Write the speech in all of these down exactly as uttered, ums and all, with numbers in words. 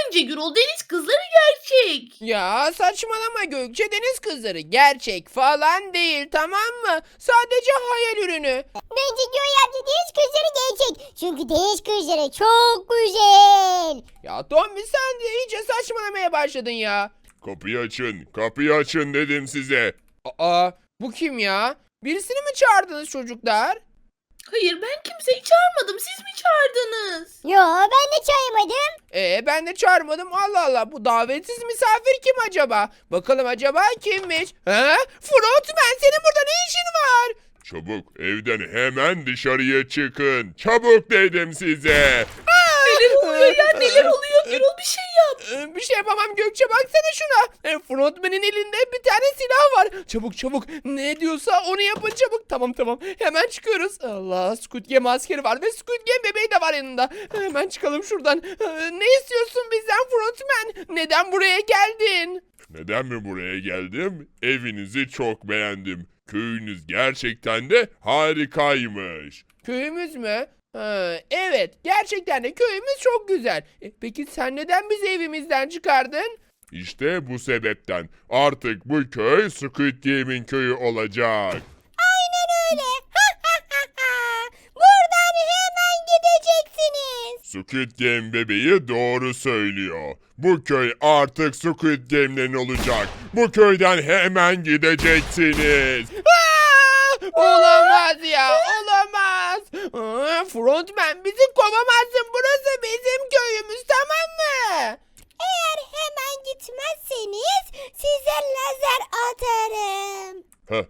Bence Gürol deniz kızları gerçek. Ya saçmalama Gökçe, deniz kızları gerçek falan değil, tamam mı? Sadece hayal ürünü. Bence Göğe amca deniz kızları gerçek. Çünkü deniz kızları çok güzel. Ya Tommy, sen de iyice saçmalamaya başladın ya. Kapıyı açın, kapıyı açın dedim size. Aa, bu kim ya? Birisini mi çağırdınız çocuklar? Hayır ben kimseyi çağırmadım. Siz mi çağırdınız? Yo ben de çaymadım. Ee, ben de çağırmadım. Allah Allah, bu davetsiz misafir kim acaba? Bakalım acaba kimmiş? He? Frontman, senin burada ne işin var? Çabuk evden hemen dışarıya çıkın. Çabuk dedim size. Neler oluyor ya neler oluyor? Gürol bir şey yap. Ee, Bir şey yapamam Gökçe, baksana şuna. Ee, Frontman'in elinde bir tane silah var. Çabuk çabuk, ne diyorsa onu yapın çabuk. Tamam tamam, hemen çıkıyoruz. Allah, Squid Game askeri var ve Squid Game bebeği de var yanında. Hemen çıkalım şuradan. Ee, Ne istiyorsun bizden Frontman? Neden buraya geldin? Neden mi buraya geldim? Evinizi çok beğendim. Köyünüz gerçekten de harikaymış. Köyümüz mü? Ha, evet, gerçekten de köyümüz çok güzel. E, peki sen neden bizi evimizden çıkardın? İşte bu sebepten artık bu köy Squid Game'in köyü olacak. Aynen öyle. Buradan hemen gideceksiniz. Squid Game bebeği doğru söylüyor. Bu köy artık Squid Game'lerin olacak. Bu köyden hemen gideceksiniz. Aa, olamaz ya, olamaz. Aa, Frontman, bizi kovamazsın, burası bizim köyümüz, tamam mı? Eğer hemen gitmezseniz size lazer atarım.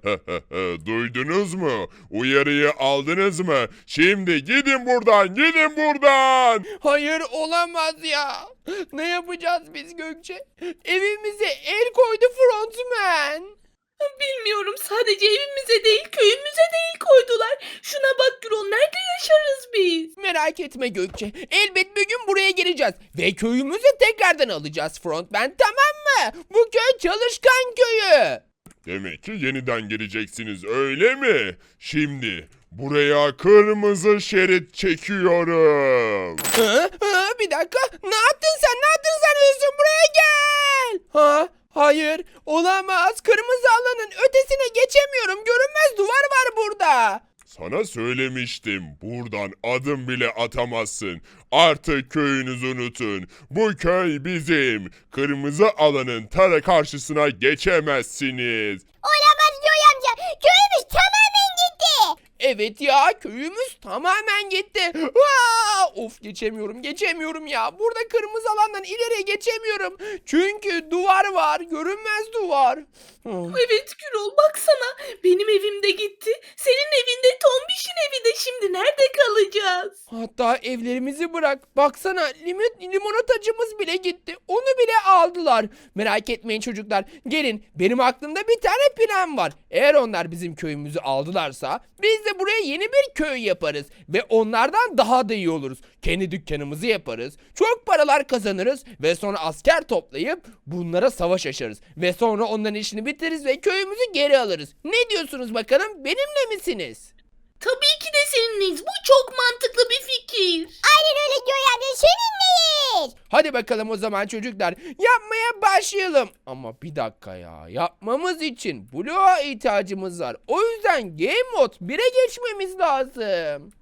Duydunuz mu? Uyarıyı aldınız mı? Şimdi gidin buradan, gidin buradan. Hayır, olamaz ya. Ne yapacağız biz Gökçe? Evimize el koydu Frontman. Bilmiyorum sadece evimize değil köyümüze de el koydular. Şuna bak Gürol nerede yaşarız biz? Merak etme Gökçe. Elbet bir gün buraya geleceğiz. Ve köyümüzü tekrardan alacağız Frontman, tamam mı? Bu köy çalışkan köyü. Demek ki yeniden geleceksiniz, öyle mi? Şimdi buraya kırmızı şerit çekiyorum. Hı? Hı? Bir dakika. Ne yaptın sen? Ne yaptın sanıyorsun? Buraya gel. Ha? Hayır. Olamaz. Kırmızı alanın ötesine geçemiyorum. Görünmez duvar var burada. Sana söylemiştim, buradan adım bile atamazsın. Artık köyünüzü unutun. Bu köy bizim. Kırmızı alanın tara karşısına geçemezsiniz. Olamaz Göğe amca. Köyümüz tamamen gitti. Evet ya, köyümüz tamamen gitti. Aa, of, geçemiyorum geçemiyorum ya. Burada kırmızı alandan ileriye geçemiyorum. Çünkü duvar var. Görünmez duvar. Hmm. Evet Gürol baksana benim evim de gitti. Senin evinde Tombiş'in evi de şimdi nerede kalacağız? Hatta evlerimizi bırak. Baksana, limit limonatacımız bile gitti. Onu bile aldılar. Merak etmeyin çocuklar. Gelin, benim aklımda bir tane plan var. Eğer onlar bizim köyümüzü aldılarsa biz de buraya yeni bir köy yaparız. Ve onlardan daha da iyi oluruz. Kendi dükkanımızı yaparız. Çok paralar kazanırız. Ve sonra asker toplayıp bunlara savaş açarız. Ve sonra onların işini bitiririz ve köyümüzü geri alırız. Ne diyorsunuz bakalım? Benimle misiniz? Tabii ki de seninleyiz. Bu çok mantıklı bir fikir. Aynen öyle Göğe amca seninleyiz. Hadi bakalım o zaman çocuklar, yapmaya başlayalım. Ama bir dakika ya, yapmamız için bloğa ihtiyacımız var. O yüzden Game Mode bire geçmemiz lazım.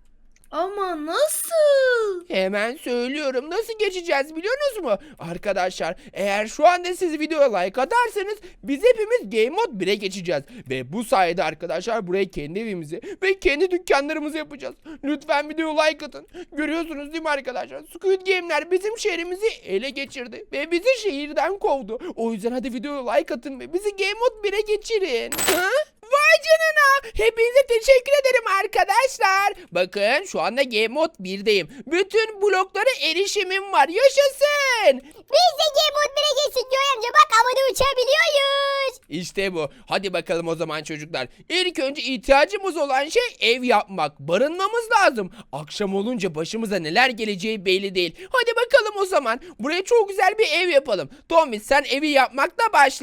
Ama nasıl? Hemen söylüyorum, nasıl geçeceğiz biliyorsunuz mu? Arkadaşlar, eğer şu anda siz videoya like atarsanız biz hepimiz Game Mode bire geçeceğiz. Ve bu sayede arkadaşlar buraya kendi evimizi ve kendi dükkanlarımızı yapacağız. Lütfen videoya like atın. Görüyorsunuz değil mi arkadaşlar? Squid Game'ler bizim şehrimizi ele geçirdi. Ve bizi şehirden kovdu. O yüzden hadi videoya like atın ve bizi Game Mode bire geçirin. Ha? Vay canına! Hepinize teşekkür ederim arkadaşlar. Bakın, şu anda Game Mode birdeyim. Bütün bloklara erişimim var. Yaşasın! Biz de Game Mode bire geçtik Göğe amca. Bak havada uçabiliyoruz. İşte bu. Hadi bakalım o zaman çocuklar. İlk önce ihtiyacımız olan şey ev yapmak. Barınmamız lazım. Akşam olunca başımıza neler geleceği belli değil. Hadi bakalım o zaman. Buraya çok güzel bir ev yapalım. Tommy, sen evi yapmakla başla.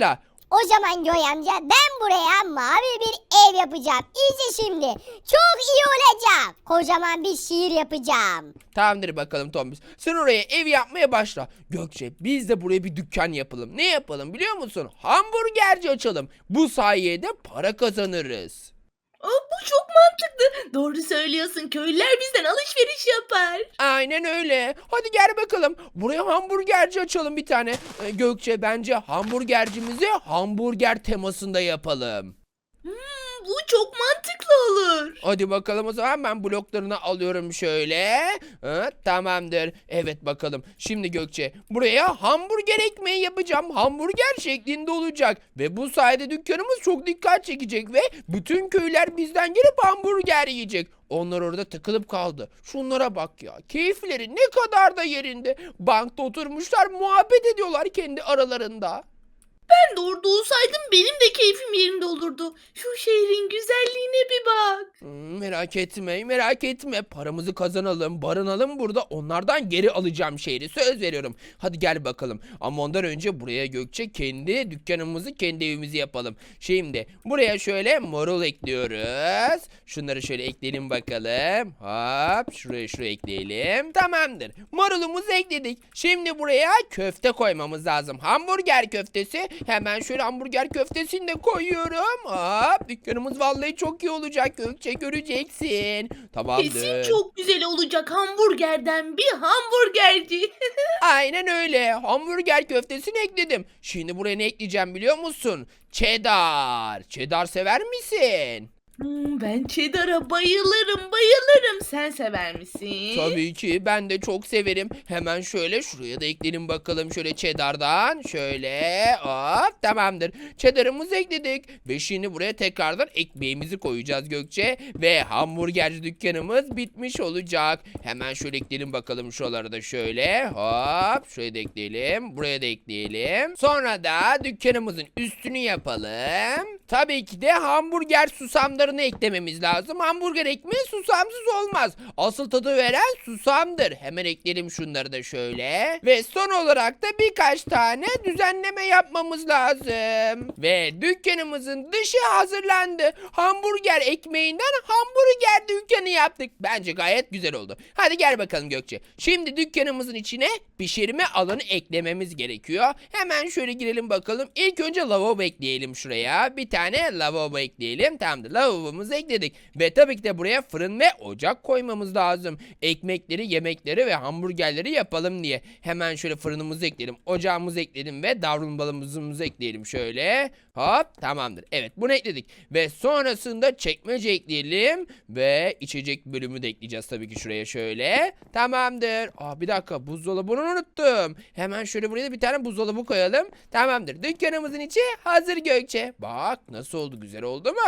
O zaman Göğe amca ben buraya mavi bir ev yapacağım. İyice şimdi. Çok iyi olacak. Kocaman bir şehir yapacağım. Tamamdır bakalım Tombiş. Sen oraya ev yapmaya başla. Gökçe biz de buraya bir dükkan yapalım. Ne yapalım biliyor musun? Hamburgerci açalım. Bu sayede para kazanırız. Aa, bu çok mantıklı. Doğru söylüyorsun. Köylüler bizden alışveriş yapar. Aynen öyle. Hadi gel bakalım. Buraya hamburgerci açalım bir tane. Ee, Gökçe bence hamburgercimizi hamburger temasında yapalım. Hmm, bu çok mantıklı olur. Hadi bakalım o zaman ben bloklarını alıyorum şöyle. Ha, tamamdır. Evet bakalım. Şimdi Gökçe buraya hamburger ekmeği yapacağım. Hamburger şeklinde olacak. Ve bu sayede dükkanımız çok dikkat çekecek ve bütün köyler bizden gelip hamburger yiyecek. Onlar orada takılıp kaldı. Şunlara bak ya. Keyifleri ne kadar da yerinde. Bankta oturmuşlar muhabbet ediyorlar kendi aralarında. Ben de orada olsaydım benim de keyfim yerinde olurdu. Şu şehrin güzelliğine bir bak. Hmm, merak etme, merak etme. Paramızı kazanalım, barınalım burada. Onlardan geri alacağım şehri. Söz veriyorum. Hadi gel bakalım. Ama ondan önce buraya Gökçe kendi dükkanımızı, kendi evimizi yapalım. Şimdi buraya şöyle marul ekliyoruz. Şunları şöyle ekleyelim bakalım. Hop, şuraya şuraya ekleyelim. Tamamdır. Marulumuzu ekledik. Şimdi buraya köfte koymamız lazım. Hamburger köftesi. Hemen şöyle hamburger köftesini de koyuyorum. Hop, dükkanımız vallahi çok iyi olacak Gökçe, göreceksin. Tamamdır. Kesin çok güzel olacak hamburgerden bir hamburgerci. Aynen öyle. Hamburger köftesini ekledim. Şimdi buraya ne ekleyeceğim biliyor musun? Cheddar. Cheddar sever misin? Hmm, ben cheddar'a bayılırım bayılırım. Sen sever misin? Tabii ki ben de çok severim. Hemen şöyle şuraya da ekleyelim bakalım şöyle cheddar'dan. Şöyle hop tamamdır. Cheddar'ımızı ekledik. Ve şimdi buraya tekrardan ekmeğimizi koyacağız Gökçe. Ve hamburgerci dükkanımız bitmiş olacak. Hemen şöyle ekleyelim bakalım şuraları da şöyle. Hop şuraya da ekleyelim. Buraya da ekleyelim. Sonra da dükkanımızın üstünü yapalım. Tabii ki de hamburger susamlarını eklememiz lazım. Hamburger ekmeği susamsız olmaz. Asıl tadı veren susamdır. Hemen ekleyelim şunları da şöyle. Ve son olarak da birkaç tane düzenleme yapmamız lazım. Ve dükkanımızın dışı hazırlandı. Hamburger ekmeğinden hamburger dükkanı yaptık. Bence gayet güzel oldu. Hadi gel bakalım Gökçe. Şimdi dükkanımızın içine pişirme alanı eklememiz gerekiyor. Hemen şöyle girelim bakalım. İlk önce lavabo ekleyelim şuraya. Bir tane lavabo ekleyelim. Tamamdır. Lavabomuzu ekledik. Ve tabii ki de buraya fırın ve ocak koymamız lazım. Ekmekleri, yemekleri ve hamburgerleri yapalım diye. Hemen şöyle fırınımızı ekleyelim. Ocağımızı ekledim ve davlumbazımızı ekleyelim şöyle. Hop tamamdır. Evet bunu ekledik. Ve sonrasında çekmece ekleyelim. Ve içecek bölümü de ekleyeceğiz tabii ki şuraya şöyle. Tamamdır. Aa bir dakika buzdolabını unuttum. Hemen şöyle buraya da bir tane buzdolabı koyalım. Tamamdır. Dükkanımızın içi hazır Gökçe. Bak nasıl oldu, güzel oldu mu?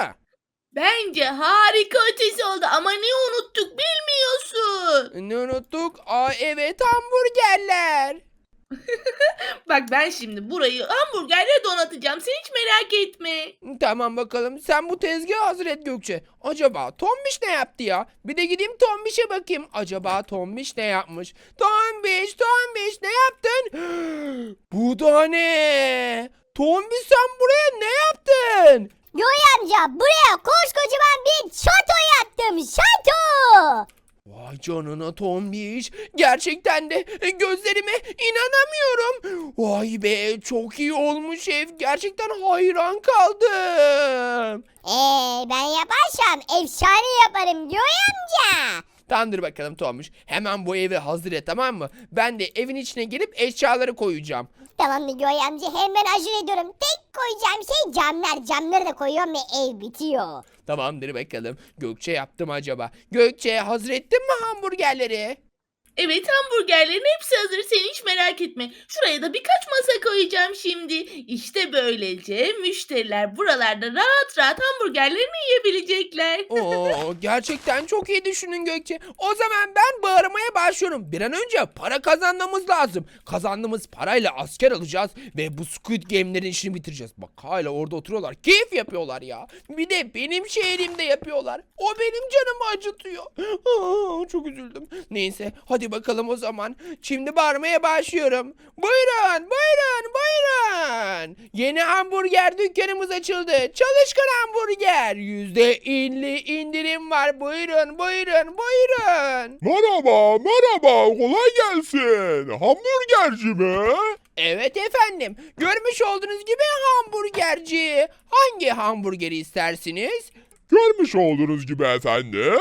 Bence harika ötesi oldu ama ne unuttuk bilmiyorsun. Ne unuttuk? Aa evet hamburgerler. Bak ben şimdi burayı hamburgerle donatacağım. Sen hiç merak etme. Tamam bakalım. Sen bu tezgahı hazır et Gökçe. Acaba Tombiş ne yaptı ya? Bir de gideyim Tombiş'e bakayım. Acaba Tombiş ne yapmış? Tombiş, Tombiş ne yaptın? Bu da ne? Tombiş sen buraya ne yaptın? Göğe amca buraya koskocaman bir şato yaptım. Şato. Vay canına Tombiş. Gerçekten de gözlerime inanamıyorum. Vay be çok iyi olmuş ev. Gerçekten hayran kaldım. Eee ben yaparsam efsane yaparım Göğe amca. Tamamdır bakalım Tombiş. Hemen bu evi hazır et tamam mı? Ben de evin içine gelip eşyaları koyacağım. Tamamdır Göğe amca hemen acele ediyorum. Tek koyacağım şey camlar. Camları da koyuyorum ve ev bitiyor. Tamamdır bakalım. Gökçe yaptım acaba. Gökçe hazır ettin mi hamburgerleri? Evet hamburgerlerin hepsi hazır. Sen hiç merak etme. Şuraya da birkaç masa koyacağım şimdi. İşte böylece müşteriler buralarda rahat rahat hamburgerlerini yiyebilecekler. Oo, gerçekten çok iyi düşündün Gökçe. O zaman ben bağırmaya başlıyorum. Bir an önce para kazanmamız lazım. Kazandığımız parayla asker alacağız ve bu Squid Game'lerin işini bitireceğiz. Bak hala orada oturuyorlar. Keyif yapıyorlar ya. Bir de benim şehrimde yapıyorlar. O benim canımı acıtıyor. Aa, çok üzüldüm. Neyse hadi bakalım o zaman. Şimdi bağırmaya başlıyorum. Buyurun, buyurun, buyurun. buyurun. Yeni hamburger dükkanımız açıldı. Çalışkan hamburger. Yüzde elli indirim var. Buyurun buyurun buyurun. Merhaba, merhaba, kolay gelsin. Hamburgerci mi? Evet efendim. Görmüş olduğunuz gibi hamburgerci. Hangi hamburgeri istersiniz? Görmüş olduğunuz gibi efendim,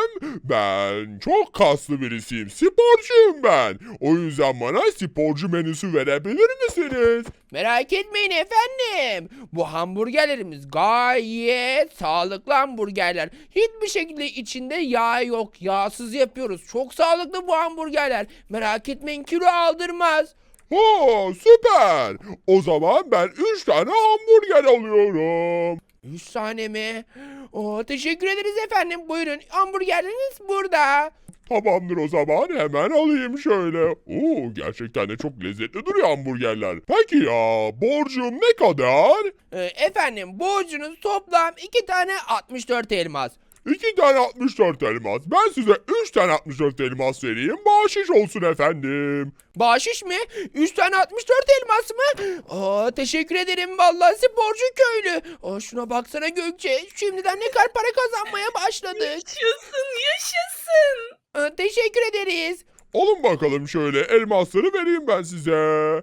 ben çok kaslı birisiyim, sporcuyum ben. O yüzden bana sporcu menüsü verebilir misiniz? Merak etmeyin efendim. Bu hamburgerlerimiz gayet sağlıklı hamburgerler. Hiçbir şekilde içinde yağ yok. Yağsız yapıyoruz. Çok sağlıklı bu hamburgerler. Merak etmeyin, kilo aldırmaz. Ha, süper. O zaman ben üç tane hamburger alıyorum. Üç tane mi? Oo, teşekkür ederiz efendim. Buyurun, hamburgerleriniz burada. Tamamdır, o zaman hemen alayım şöyle. Oo, gerçekten de çok lezzetli duruyor hamburgerler. Peki ya, borcum ne kadar? Ee, efendim, borcunuz toplam iki tane altmış dört elmas. İki tane altmış dört elmas. Ben size üç tane altmış dört elmas vereyim. Bahşiş olsun efendim. Bahşiş mi? Üç tane altmış dört elmas mı? Aa, teşekkür ederim vallahi sporcu köylü. Aa, şuna baksana Gökçe. Şimdiden ne kadar para kazanmaya başladık. Yaşasın yaşasın. Aa, teşekkür ederiz. Alın bakalım şöyle, elmasları vereyim ben size.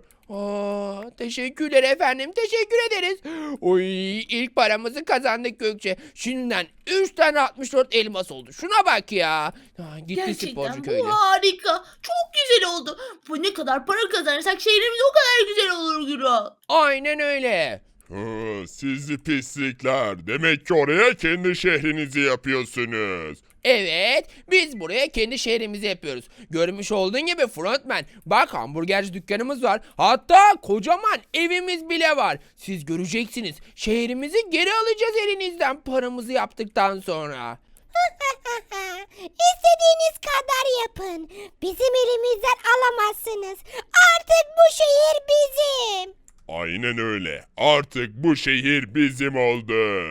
Aa, teşekkürler efendim. Teşekkür ederiz. Oy, ilk paramızı kazandık Gökçe. Şimdiden üç tane altmış dört elmas oldu. Şuna bak ya. Aa, gitti sporcu Gerçekten köylü. bu harika. Çok güzel oldu. Bu ne kadar para kazanırsak şehrimiz o kadar güzel olur Gürol. Aynen öyle. Hı, sizi pislikler. Demek ki oraya kendi şehrinizi yapıyorsunuz. Evet, biz buraya kendi şehrimizi yapıyoruz. Görmüş olduğun gibi frontman. Bak, hamburgerci dükkanımız var. Hatta kocaman evimiz bile var. Siz göreceksiniz. Şehrimizi geri alacağız elinizden paramızı yaptıktan sonra. İstediğiniz kadar yapın. Bizim elimizden alamazsınız. Artık bu şehir bizim. Aynen öyle. Artık bu şehir bizim oldu.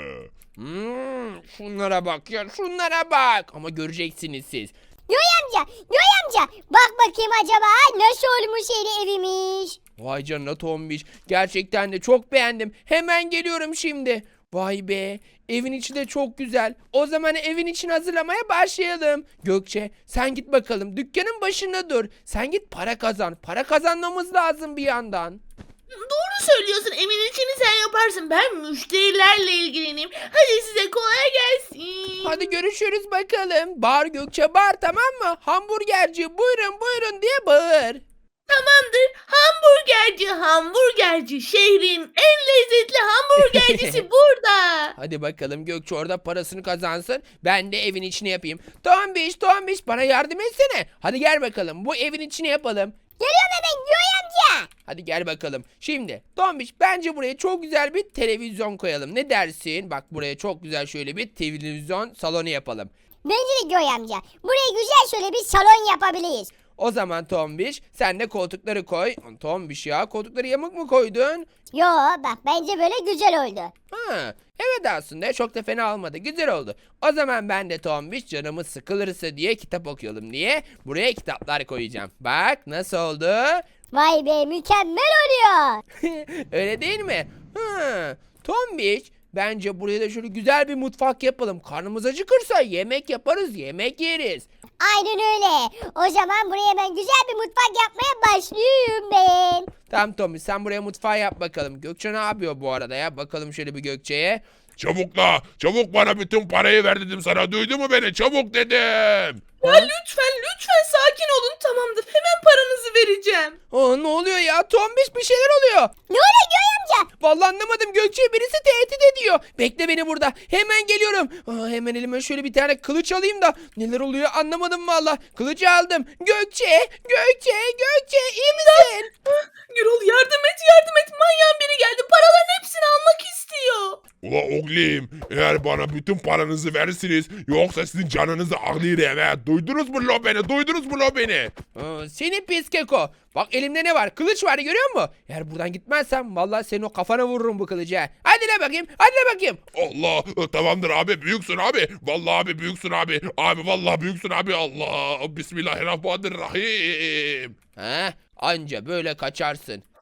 Hmm, şunlara bak ya, şunlara bak. Ama göreceksiniz siz. Yoy amca, Yoy amca. Bak bakayım acaba nasıl olmuş yeni evimiz. Vay canına Tombiş. Gerçekten de çok beğendim. Hemen geliyorum şimdi. Vay be. Evin içi de çok güzel. O zaman evin içini hazırlamaya başlayalım. Gökçe, sen git bakalım. Dükkanın başında dur. Sen git para kazan. Para kazanmamız lazım bir yandan. Doğru söylüyorsun. Evin içini sen yaparsın. Ben müşterilerle ilgileneyim. Hadi size kolay gelsin. Hadi görüşürüz bakalım. Bağır Gökçe, bağır, tamam mı? Hamburgerci buyurun buyurun diye bağır. Tamamdır. Hamburgerci, hamburgerci. Şehrin en lezzetli hamburgercisi burada. Hadi bakalım, Gökçe orada parasını kazansın. Ben de evin içini yapayım. Tombiş Tombiş, bana yardım etsene. Hadi gel bakalım, bu evin içini yapalım. Geliyorum hemen Yoy amca. Hadi gel bakalım. Şimdi Tombiş, bence buraya çok güzel bir televizyon koyalım. Ne dersin? Bak, buraya çok güzel şöyle bir televizyon salonu yapalım. Bence de Yoy amca. Buraya güzel şöyle bir salon yapabiliriz. O zaman Tombiş, sen de koltukları koy. Tombiş ya, koltukları yamuk mu koydun? Yo bak bence böyle güzel oldu. Ha, evet, aslında çok da fena olmadı. Güzel oldu. O zaman ben de Tombiş, canımız sıkılırsa diye kitap okuyalım diye buraya kitaplar koyacağım. Bak nasıl oldu? Vay be mükemmel oluyor. Öyle değil mi? Ha, Tombiş, bence buraya da şöyle güzel bir mutfak yapalım. Karnımız acıkırsa yemek yaparız, yemek yeriz. Aynen öyle. O zaman buraya ben güzel bir mutfak yapmaya başlıyorum ben. Tamam Tombiş, sen buraya mutfağı yap bakalım. Gökçe ne yapıyor bu arada ya? Bakalım şöyle bir Gökçe'ye. Çabuk la, çabuk bana bütün parayı ver dedim sana. Duydun mu beni? Çabuk dedim. Ya lütfen lütfen sakin olun. Tamamdır. Hemen paranızı vereceğim. Aa, ne oluyor ya? Tombiş, bir şeyler oluyor. Ne oluyor Yoy amca? Vallahi anlamadım, Gökçe'yi birisi tehdit ediyor. Bekle beni burada. Hemen geliyorum. Aa, hemen elime şöyle bir tane kılıç alayım da neler oluyor anlamadım valla. Kılıcı aldım. Gökçe, Gökçe, Gökçe, iyi misin? Gürol yardım et yardım et. Manyağın biri geldi. Paraların hepsini almak istiyor. Ula oğlum, eğer bana bütün paranızı verirsiniz, yoksa sizin canınızı ağlayırım he. Duydunuz mu lo beni? Duydunuz mu lo beni? Aa, seni pis keko. Bak, elimde ne var? Kılıç var, görüyor musun? Eğer buradan gitmezsem vallahi senin o kafana vururum bu kılıcı. ha. Hadi la bakayım. Hadi la bakayım. Allah, tamamdır abi, büyüksün abi. Vallahi abi büyüksün abi. Abi vallahi büyüksün abi. Allah, Bismillahirrahmanirrahim. Ha, anca böyle kaçarsın.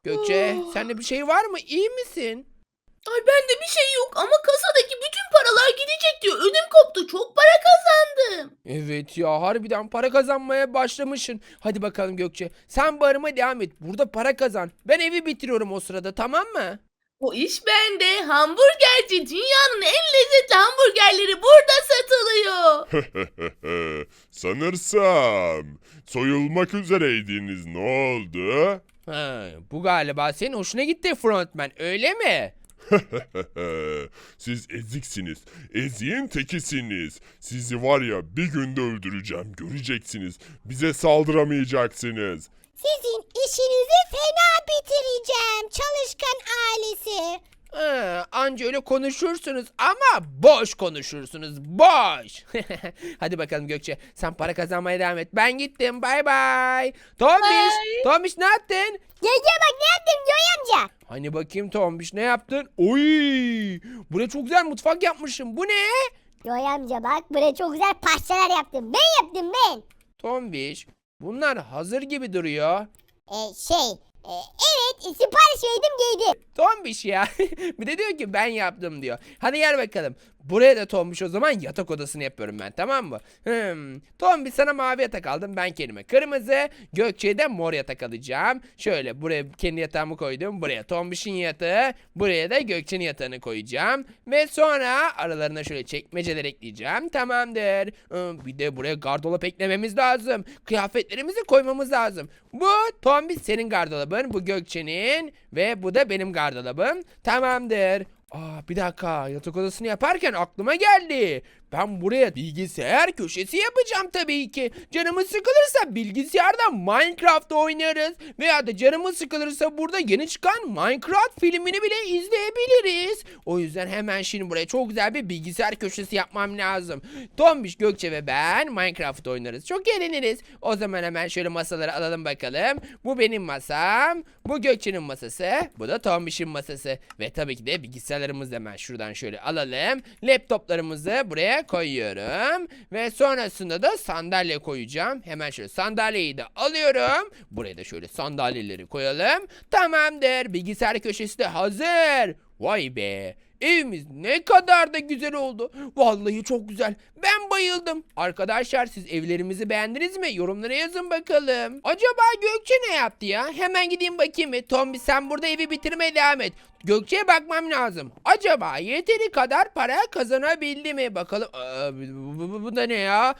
Gökçe Oh. sende bir şey var mı? İyi misin? Ay bende bir şey yok ama kasadaki bütün paralar gidecek diyor. Ödüm koptu. Çok para kazandım. Evet ya harbiden para kazanmaya başlamışsın. Hadi bakalım Gökçe. Sen barıma devam et. Burada para kazan. Ben evi bitiriyorum o sırada, tamam mı? O iş bende. Hamburgerci. Dünyanın en lezzetli hamburgerleri burada satılıyor. Sanırsam soyulmak üzereydiniz. Ne oldu? Ha, bu galiba senin hoşuna gitti frontman, öyle mi? Siz eziksiniz. Eziğin tekisiniz. Sizi var ya bir günde öldüreceğim. Göreceksiniz. Bize saldıramayacaksınız. Sizin işinizi fena bitireceğim çalışkan ailesi. Ha, anca öyle konuşursunuz ama boş konuşursunuz, boş. Hadi bakalım Gökçe, sen para kazanmaya devam et. Ben gittim, bay bay. Tombiş, Bye. Tombiş ne yaptın? Gece bak ne yaptım Joy amca. Hani bakayım Tombiş ne yaptın? Oy! Buraya çok güzel mutfak yapmışım. Bu ne? Joy amca bak buraya çok güzel parçalar yaptım. Ben yaptım ben. Tombiş, bunlar hazır gibi duruyor. E, şey e, evet sipariş verdim giydim. Tombiş ya. Bir de diyor ki ben yaptım diyor. Hadi gel bakalım. Buraya da Tombiş o zaman yatak odasını yapıyorum ben, tamam mı? Hmm. Tombiş sana mavi yatak aldım. Ben kendime kırmızı. Gökçe'ye de mor yatak alacağım. Şöyle buraya kendi yatağımı koydum. Buraya Tombiş'in yatağı. Buraya da Gökçe'nin yatağını koyacağım. Ve sonra aralarına şöyle çekmeceler ekleyeceğim. Tamamdır. Hmm, Bir de buraya gardırop eklememiz lazım. Kıyafetlerimizi koymamız lazım. Bu Tombiş senin gardırobun. Bu Gökçe'nin. Ve bu da benim gardırobum. Tamamdır. Aa, bir dakika, yatak odasını yaparken aklıma geldi. Ben buraya bilgisayar köşesi yapacağım tabii ki. Canımız sıkılırsa bilgisayarda Minecraft oynarız. Veya da canımız sıkılırsa burada yeni çıkan Minecraft filmini bile izleyebiliriz. O yüzden hemen şimdi buraya çok güzel bir bilgisayar köşesi yapmam lazım. Tombiş, Gökçe ve ben Minecraft oynarız. Çok eğleniriz. O zaman hemen şöyle masaları alalım bakalım. Bu benim masam. Bu Gökçe'nin masası. Bu da Tombiş'in masası. Ve tabii ki de bilgisayarlarımızı hemen şuradan şöyle alalım. Laptoplarımızı buraya koyuyorum. Ve sonrasında da sandalye koyacağım. Hemen şöyle sandalyeyi de alıyorum. Buraya da şöyle sandalyeleri koyalım. Tamamdır. Bilgisayar köşesi de hazır. Vay be. Evimiz ne kadar da güzel oldu. Vallahi çok güzel. Ben bayıldım. Arkadaşlar siz evlerimizi beğendiniz mi? Yorumlara yazın bakalım. Acaba Gökçe ne yaptı ya? Hemen gideyim bakayım mı? Tombi sen burada evi bitirmeye devam et. Gökçe'ye bakmam lazım. Acaba yeteri kadar para kazanabildi mi? Bakalım. Aa, bu, bu, bu, bu da ne ya?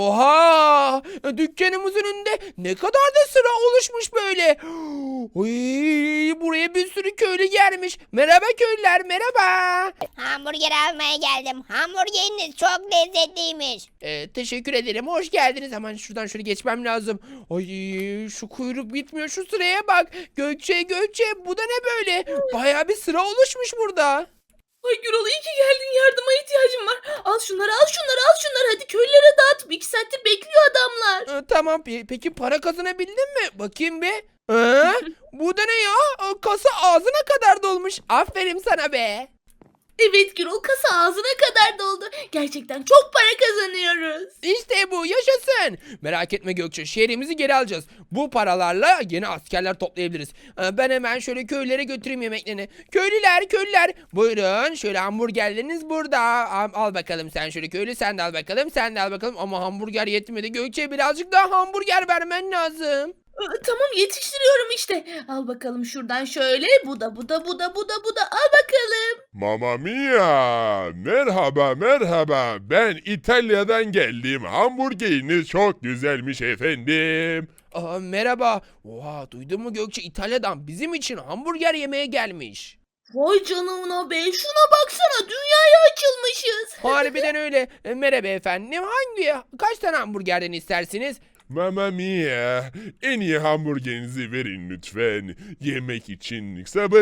Oha! Dükkanımızın önünde ne kadar da sıra oluşmuş böyle. Oy, buraya bir sürü köylü gelmiş. Merhaba köylüler, merhaba. Hamburger almaya geldim. Hamburgeriniz çok lezzetliymiş. Ee, teşekkür ederim. Hoş geldiniz. Hemen şuradan şöyle geçmem lazım. Ay şu kuyruk bitmiyor. Şu sıraya bak. Gökçe Gökçe bu da ne böyle? Bayağı bir sıra oluşmuş burada. Ay Gürol iyi ki geldin. Yardıma ihtiyacım var. Al şunları al şunları al şunları. Hadi köylere dağıt. İki saattir bekliyor adamlar. Ee, tamam pe- peki para kazanabildin mi? Bakayım bir. Ee, bu da ne ya? Ee, Kasa ağzına kadar dolmuş. Aferin sana be. Evet Gürol kasa ağzına kadar doldu. Gerçekten çok para kazanıyoruz. İşte bu, yaşasın. Merak etme Gökçe, şehrimizi geri alacağız. Bu paralarla yeni askerler toplayabiliriz. Ee, Ben hemen şöyle köylere götüreyim yemeklerini. Köylüler köylüler buyurun, şöyle hamburgerleriniz burada. Al, al bakalım sen şöyle köylü, sen de al bakalım, sen de al bakalım. Ama hamburger yetmedi Gökçe, birazcık daha hamburger vermen lazım. Ee, Tamam yetiştiriyorum işte. Al bakalım şuradan şöyle. Bu da bu da bu da bu da bu da. Al bakalım. Mamma mia! Merhaba merhaba. Ben İtalya'dan geldim. Hamburgeriniz çok güzelmiş efendim. Aa, merhaba. Oha, duydun mu Gökçe, İtalya'dan bizim için hamburger yemeye gelmiş. Vay canına be. Şuna baksana. Dünyaya açılmışız. Harbiden öyle. E, merhaba efendim, hangi kaç tane hamburgerden istersiniz? Mamma mia! En iyi hamburgerinizi verin lütfen. Yemek için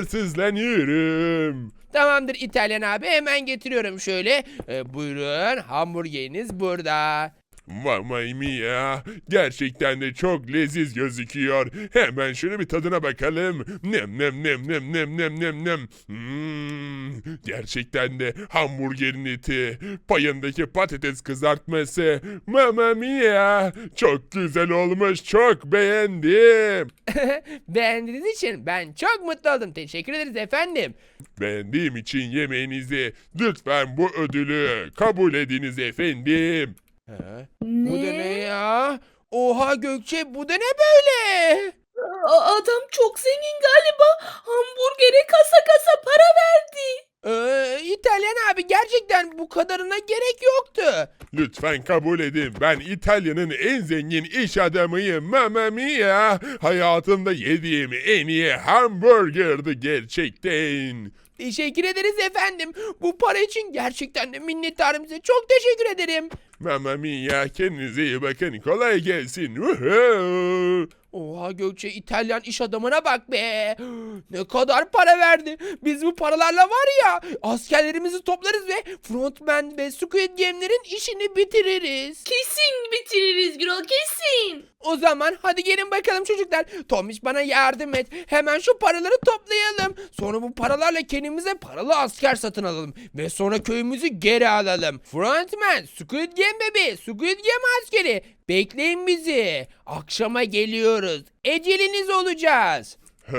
sabırsızlanıyorum. Tamamdır İtalyan abi, hemen getiriyorum şöyle. E, buyurun, hamburgeriniz burada. Mamma mia. Gerçekten de çok leziz gözüküyor. Hemen şöyle bir tadına bakalım. Nem nem nem nem nem nem nem nem. Hmm, gerçekten de hamburgerin eti, payındaki patates kızartması. Mamma mia. Çok güzel olmuş. Çok beğendim. Beğendiğiniz için ben çok mutlu oldum. Teşekkür ederiz efendim. Beğendiğim için yemeğinizi lütfen bu ödülü kabul ediniz efendim. Ha, Ne? bu da ne ya? Oha Gökçe, bu da ne böyle? Aa, adam çok zengin galiba. Hamburgere kasa kasa para verdi. Ee, İtalyan abi, gerçekten bu kadarına gerek yoktu. Lütfen kabul edin. Ben İtalya'nın en zengin iş adamıyım. Mamma mia. Hayatımda yediğim en iyi hamburgerdi gerçekten. Teşekkür ederiz efendim. Bu para için gerçekten de minnettarım size. Çok teşekkür ederim. Mamma mia. Kendinize iyi bakın. Kolay gelsin. Uhu. Oha Gökçe, İtalyan iş adamına bak be. Ne kadar para verdi. Biz bu paralarla var ya, askerlerimizi toplarız ve Frontman ve Squid Game'lerin işini bitiririz. Kesin bitiririz Gürol, kesin. O zaman hadi gelin bakalım çocuklar. Tomiş, bana yardım et. Hemen şu paraları toplayalım. Sonra bu paralarla kendimize paralı asker satın alalım. Ve sonra köyümüzü geri alalım. Frontman, Squid Game bebeği, Squid Game askeri. Bekleyin bizi. Akşama geliyoruz. Eceliniz olacağız.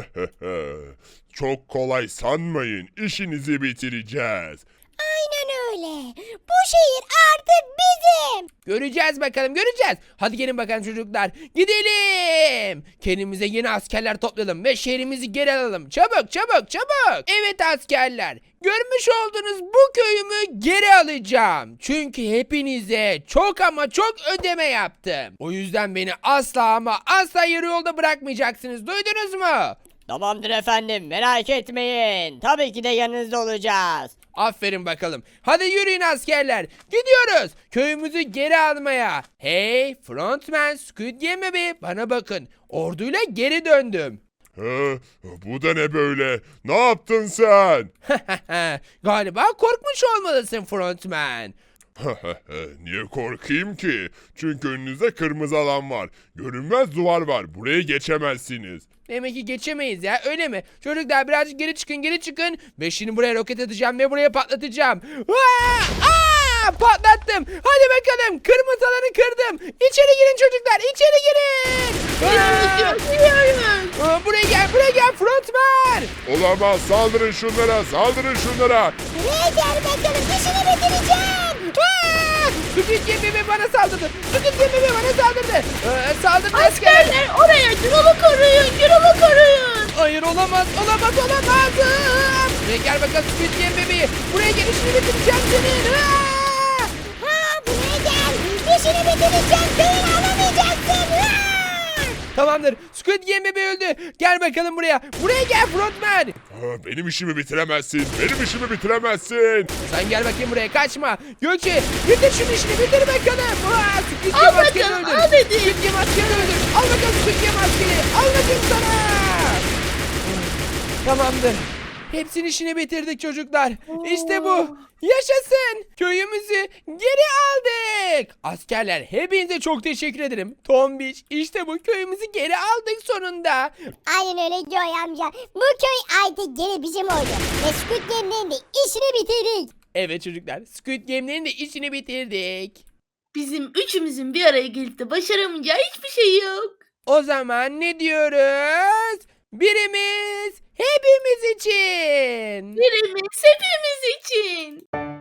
Çok kolay sanmayın. İşinizi bitireceğiz. Aynen öyle. Bu şehir artık bizim. Göreceğiz bakalım, göreceğiz. Hadi gelin bakalım çocuklar. Gidelim. Kendimize yeni askerler toplayalım ve şehrimizi geri alalım. Çabuk çabuk çabuk. Evet askerler. Görmüş olduğunuz bu köyümü geri alacağım. Çünkü hepinize çok ama çok ödeme yaptım. O yüzden beni asla ama asla yarı yolda bırakmayacaksınız. Duydunuz mu? Tamamdır efendim, merak etmeyin. Tabii ki de yanınızda olacağız. Aferin bakalım. Hadi yürüyün askerler. Gidiyoruz. Köyümüzü geri almaya. Hey Frontman, Squid Game bebeği, bana bakın. Orduyla geri döndüm. Ha, bu da ne böyle? Ne yaptın sen? Galiba korkmuş olmalısın Frontman. Niye korkayım ki? Çünkü önünüzde kırmızı alan var. Görünmez duvar var. Buraya geçemezsiniz. Demek ki geçemeyiz ya, öyle mi? Çocuklar birazcık geri çıkın, geri çıkın. Ve şimdi buraya roket atacağım ve buraya patlatacağım. Aa! Aa! Patlattım. Hadi bakalım, kırmızı alanı kırdım. İçeri girin çocuklar, içeri girin. Aa! Gidiyoruz. Aa, buraya gel, buraya gel Frontman. Olamaz. Saldırın şunlara. Saldırın şunlara. Buraya gel bakalım, işini bitireceğim. Aa! Squid Game bebeği bana saldırdı. Squid Game bebeği bana saldırdı. Aa, saldırdı asker. Askerler oraya Gürol'u koruyun, Gürol'u koruyun. Hayır, olamaz, olamaz, olamaz. Buraya gel bakalım Squid Game bebeği. Buraya gel, işini bitireceğim senin. Aa! Ha, buraya gel. İşini bitireceğim. Köyünü alamayacaksın. Ha! Tamamdır. Squid Game bebeği öldü. Gel bakalım buraya. Buraya gel Frontman. Ha, benim işimi bitiremezsin. Benim işimi bitiremezsin. Sen gel bakayım buraya, kaçma. Gökçe, bitir şunu, işini bitir bakalım. Aa, Squid Al Game askeri bakalım, öldür. al dedim. Squid Game askeri öldür. Al bakalım Squid Game askeri. Al bakayım sana. Tamamdır. Hepsinin işini bitirdik çocuklar. İşte bu. Yaşasın. Köyümüzü geri aldık. Askerler, hepinize çok teşekkür ederim. Tombiş, işte bu, köyümüzü geri aldık sonunda. Aynen öyle Joy amca. Bu köy artık geri bizim oldu. Ve Squid Game'lerin de işini bitirdik. Evet çocuklar, Squid Game'lerin de işini bitirdik. Bizim üçümüzün bir araya gelip de başaramayacağı hiçbir şey yok. O zaman ne diyoruz? Birimiz hepimiz için. Birimiz hepimiz için.